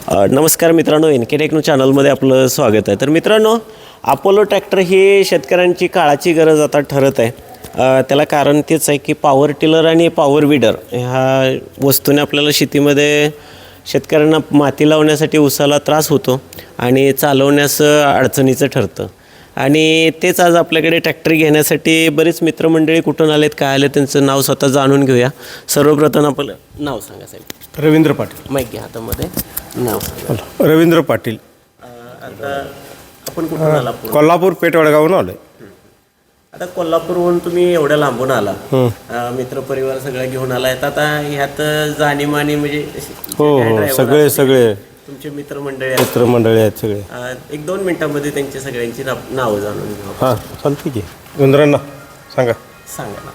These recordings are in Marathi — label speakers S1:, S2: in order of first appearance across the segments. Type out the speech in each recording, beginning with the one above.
S1: नमस्कार मित्रांनो, NK टेक्नो चॅनलमध्ये आपलं स्वागत आहे. तर मित्रांनो, अपोलो ट्रॅक्टर ही शेतकऱ्यांची काळाची गरज आता ठरत आहे. त्याला कारण तेच आहे की पॉवर टिलर आणि पॉवर विडर ह्या वस्तूने आपल्याला शेतीमध्ये शेतकऱ्यांना माती लावण्यासाठी उसाला त्रास होतो आणि चालवण्यास अडचणीचं ठरतं. आणि तेच आज आपल्याकडे ट्रॅक्टर घेण्यासाठी बरेच मित्रमंडळी कुठून आलेत, काय आले, त्यांचं नाव स्वतः जाणून घेऊया. सर्वप्रथम आपलं नाव सांगा साहेब.
S2: रवींद्र पाटील.
S1: माहिती घ्या हातामध्ये. नाव
S2: रवींद्र पाटील.
S1: आता आपण कुठून आला?
S2: कोल्हापूर पेठवडगावून आलोय.
S1: आता कोल्हापूरहून तुम्ही एवढ्या लांबून आला, मित्रपरिवार सगळं घेऊन आला. आता ह्यात जाणीमानी म्हणजे
S2: हो, सगळे
S1: तुमचे मित्रमंडळी
S2: आहेत सगळे.
S1: 1-2 मिनिटांमध्ये त्यांची सगळ्यांची नावं जाणून घेऊ.
S2: हां, चालते की. गुंजरांना सांगा.
S1: सांगा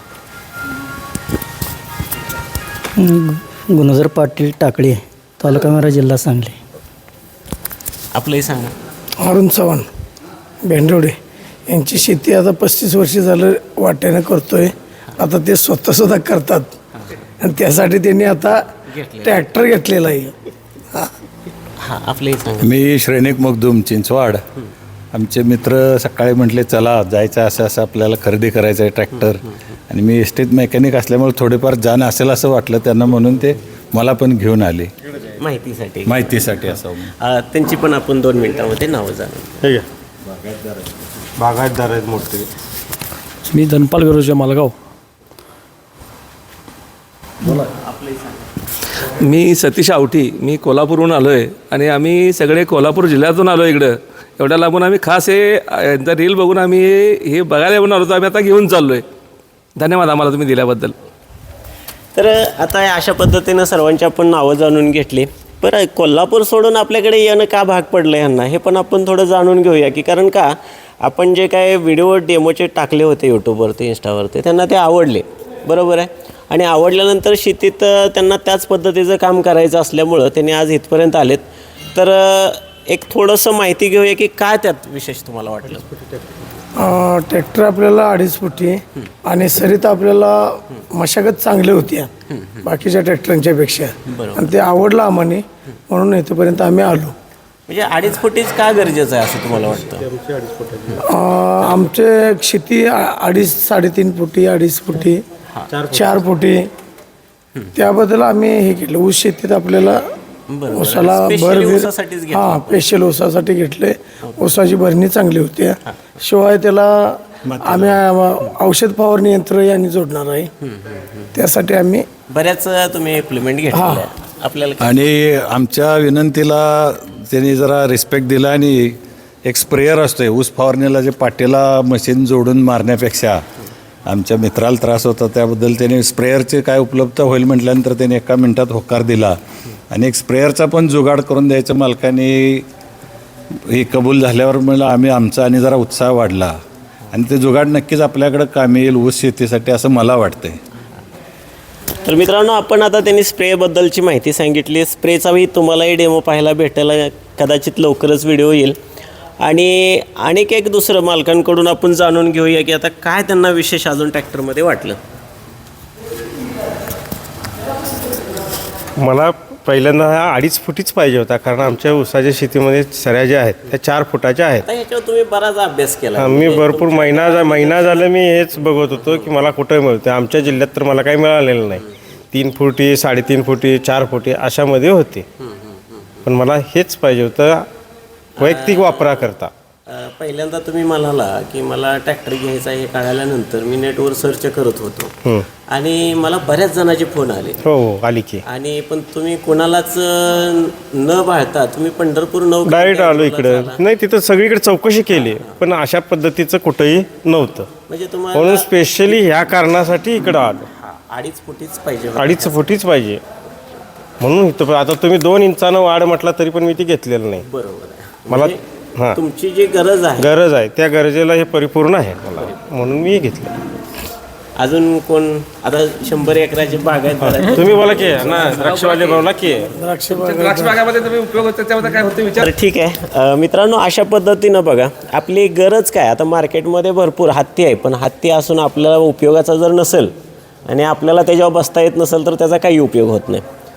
S3: गुणधर पाटील टाकळी, तालुका मेरा, जिल्हा सांगली.
S1: आपलंही सांगा.
S4: अरुण चव्हाण भेंडवडे यांची शेती आता 35 वर्ष झालं वाट्यानं करतोय. आता ते स्वतःसुद्धा करतात आणि त्यासाठी त्यांनी आता ट्रॅक्टर घेतलेला आहे.
S1: हां, आपलंही सांगा.
S5: मी श्रेणिक मखदूम, चिंचवाड. आमचे मित्र सकाळी म्हटले चला जायचं, असं आपल्याला खरेदी करायचं आहे ट्रॅक्टर. आणि मी एस्टेट मेकॅनिक असल्यामुळे थोडेफार जाण असेल असं वाटलं त्यांना, म्हणून ते मला पण घेऊन आले माहितीसाठी असं.
S1: त्यांची पण आपण 2 मिनिटांमध्ये नावं जाणून.
S2: हे घ्या. बागायतदार आहेत मोठे.
S3: मी धनपाल बिरोजा, मालगाव.
S6: मी सतीश आवटी, मी कोल्हापूरहून आलो आहे आणि आम्ही सगळे कोल्हापूर जिल्ह्यातून आलो इकडं. एवढ्या लांबून आम्ही खास यांचा रील बघून आम्ही हे बघायला येऊन आलो, तर आम्ही आता घेऊन चाललो आहे. धन्यवाद आम्हाला तुम्ही दिल्याबद्दल.
S1: तर आता अशा पद्धतीनं सर्वांची आपण नावं जाणून घेतली. बरं, कोल्हापूर सोडून आपल्याकडे येणं का भाग पडलं ह्यांना, हे पण आपण थोडं जाणून घेऊया. की कारण का आपण जे काय व्हिडिओ डेमोचे टाकले होते यूट्यूबवरती, इंस्टावरती, त्यांना ते आवडले, बरोबर आहे. आणि आवडल्यानंतर शेतीत त्यांना त्याच पद्धतीचं काम करायचं असल्यामुळं त्यांनी आज इथपर्यंत आलेत. तर एक थोडंसं माहिती घेऊया की काय त्यात विशेष तुम्हाला वाटलं.
S4: ट्रॅक्टर आपल्याला 2.5 फुटी आणि सरीत आपल्याला मशागत चांगली होती बाकीच्या ट्रॅक्टरांच्या पेक्षा. आणि ते आवडलं आम्हाला, म्हणून इथपर्यंत आम्ही आलो.
S1: म्हणजे 2.5 फुटीच का गरजेचं आहे असं तुम्हाला वाटतं?
S4: आमचे शेती 2.5-3.5 फुटी, 2.5 फुटी, 4 फुटी, त्याबद्दल आम्ही हे केलं. ऊस शेतीत आपल्याला ऊसाला स्पेशल ऊसासाठी घेतले. ऊसाची भरणी चांगली होती. शिवाय त्याला आम्ही औषध फवारणी यंत्र यांनी जोडणार आहे. त्यासाठी आम्ही
S1: बऱ्याच तुम्ही इम्प्लिमेंट घेतल्या आपल्याला.
S5: आणि आमच्या विनंतीला त्यांनी जरा रिस्पेक्ट दिला. आणि एक स्प्रेयर असतोय ऊस फवारणीला, जे पाटीला मशीन जोडून मारण्यापेक्षा आमच्या मित्राला त्रास होता, त्याबद्दल त्याने स्प्रेयरचे काय उपलब्ध होईल म्हटल्यानंतर त्याने 1 मिनिटात होकार दिला. आणि एक स्प्रेयरचा पण जुगाड करून द्यायचं मालकाने हे कबूल झाल्यावर मला आमचा आणि जरा उत्साह वाढला. आणि ते जुगाड नक्कीच आपल्याकडं कामी येईल ऊस शेतीसाठी, असं मला वाटतंय.
S1: तर मित्रांनो, आपण आता त्यांनी स्प्रेबद्दलची माहिती सांगितली. स्प्रेचाही तुम्हालाही डेमो पाहायला भेटायला कदाचित लवकरच व्हिडिओ येईल. आणि अनेक एक दुसरं मालकांकडून आपण जाणून घेऊया की आता काय त्यांना विशेष अजून ट्रॅक्टरमध्ये वाटलं.
S2: मला पहिल्यांदा हा 2.5 फुटीच पाहिजे होता, कारण आमच्या ऊसाच्या शेतीमध्ये सऱ्या ज्या आहेत त्या 4 फुटाच्या आहेत.
S1: आता ह्याच्यावर तुम्ही बराच अभ्यास केला.
S2: मी भरपूर महिना झालं मी हेच बघत होतो की मला कुठं मिळते. आमच्या जिल्ह्यात तर मला काही मिळालेलं नाही. 3 फुटी, 3.5 फुटी, 4 फुटी अशामध्ये होते. पण मला हेच पाहिजे होतं वैयक्तिक वापराकरता.
S1: पहिल्यांदा तुम्ही म्हणाला की मला ट्रॅक्टर घ्यायचा हे कळाल्यानंतर मी नेटवर सर्च करत होतो आणि मला बऱ्याच जणांचे फोन आले.
S2: हो, आली की.
S1: आणि पण तुम्ही कोणालाच न पाहता तुम्ही पंढरपूर
S2: डायरेक्ट आलो इकडं. नाही, तिथं सगळीकडे चौकशी केली, पण अशा पद्धतीचं कुठंही नव्हतं.
S1: म्हणजे तुम्हाला
S2: म्हणून स्पेशली ह्या कारणासाठी इकडं आलो.
S1: 2.5 फुटीच पाहिजे.
S2: 2.5 फुटीच पाहिजे म्हणून इथं. आता तुम्ही 2 इंचानं वाढ म्हटला तरी पण मी ती घेतलेलं नाही.
S1: बरोबर आहे.
S2: मला हां,
S1: तुमची जी गरज आहे
S2: त्या गरजेला हे परिपूर्ण आहे मला, म्हणून मी घेतलं.
S1: अजून कोण आता 100 एकराची बाग आहे.
S2: तुम्ही बोला की ना, द्राक्षवाले बोला की.
S4: द्राक्ष
S6: बागामध्ये तुम्ही उपयोग होतो त्यामध्ये काय होते विचार.
S1: तर ठीक आहे मित्रांनो, अशा पद्धतीनं बघा आपली गरज काय. आता मार्केटमध्ये भरपूर हत्ती आहे, पण हत्ती असून आपल्याला उपयोगाचा जर नसेल आणि आपल्याला त्याच्यावर बसता येत नसेल तर त्याचा काही उपयोग होत नाही.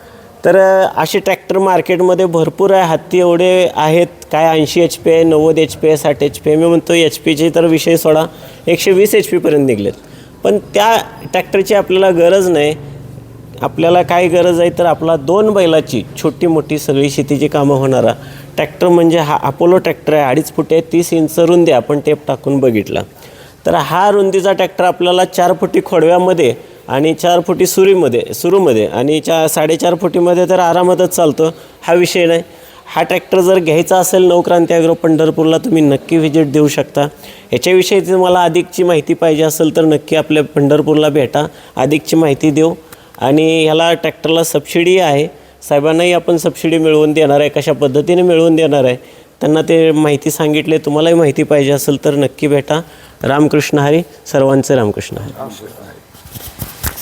S1: तर असे ट्रॅक्टर मार्केटमध्ये भरपूर आहे. हत्ती एवढे आहेत, काय 80 HP आहे, 90 HP आहे, 60 HP आहे. मी म्हणतो HP तर विषय सोडा, 120 HP निघलेत. पण त्या ट्रॅक्टरची आपल्याला गरज नाही. आपल्याला काय गरज आहे तर आपला 2 बैलाची छोटी मोठी सगळी शेतीची कामं होणारा ट्रॅक्टर म्हणजे हा अपोलो ट्रॅक्टर आहे. 2.5 फूट आहे, 30 इंच रुंदी, आपण टेप टाकून बघितला. तर हा रुंदीचा ट्रॅक्टर आपल्याला 4 फुटी खोडव्यामध्ये आणि 4 फुटी सुरूमध्ये आणि 4.5 फुटीमध्ये तर आरामातच चालतो, हा विषय नाही. हा ट्रॅक्टर जर घ्यायचा असेल नवक्रांती ॲग्रो पंढरपूरला तुम्ही नक्की व्हिजिट देऊ शकता. याच्याविषयी तुम्हाला अधिकची माहिती पाहिजे असेल तर नक्की आपल्या पंढरपूरला भेटा, अधिकची माहिती देऊ. आणि ह्याला ट्रॅक्टरला सबसिडी आहे, साहेबांनाही आपण सबसिडी मिळवून देणार आहे. कशा पद्धतीने मिळवून देणार आहे त्यांना ते माहिती सांगितले. तुम्हालाही माहिती पाहिजे असेल तर नक्की भेटा. रामकृष्ण हरी, सर्वांचे रामकृष्ण हरी.